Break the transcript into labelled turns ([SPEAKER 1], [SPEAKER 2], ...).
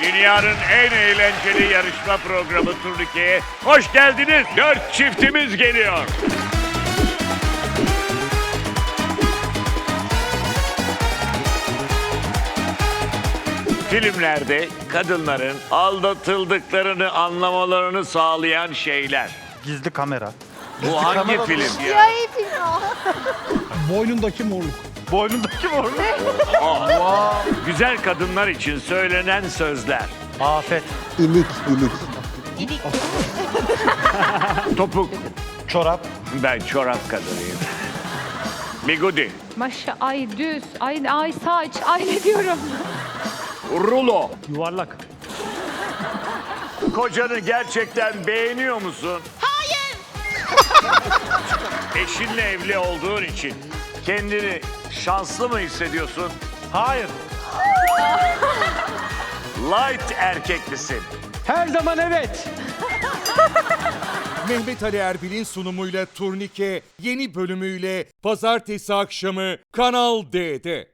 [SPEAKER 1] Dünyanın en eğlenceli yarışma programı Turnike'ye hoş geldiniz. 4 çiftimiz geliyor. Filmlerde kadınların aldatıldıklarını anlamalarını sağlayan şeyler.
[SPEAKER 2] Gizli kamera.
[SPEAKER 1] Bu hangi film ya?
[SPEAKER 3] Siyahi film o.
[SPEAKER 4] Boynundaki morluk.
[SPEAKER 2] Boynundaki mor.
[SPEAKER 1] Güzel kadınlar için söylenen sözler.
[SPEAKER 2] Afet.
[SPEAKER 5] İlik, ilik.
[SPEAKER 1] Topuk.
[SPEAKER 2] Çorap.
[SPEAKER 1] Ben çorap kadınıyım. Bigudi.
[SPEAKER 6] Maşa, ay düz, ay saç, ay ne diyorum.
[SPEAKER 1] Rulo.
[SPEAKER 4] Yuvarlak.
[SPEAKER 1] Kocanı gerçekten beğeniyor musun?
[SPEAKER 3] Hayır.
[SPEAKER 1] Eşinle evli olduğun için kendini şanslı mı hissediyorsun?
[SPEAKER 2] Hayır.
[SPEAKER 1] Light erkek misin?
[SPEAKER 4] Her zaman evet.
[SPEAKER 7] Mehmet Ali Erbil'in sunumuyla Turnike yeni bölümüyle pazartesi akşamı Kanal D'de.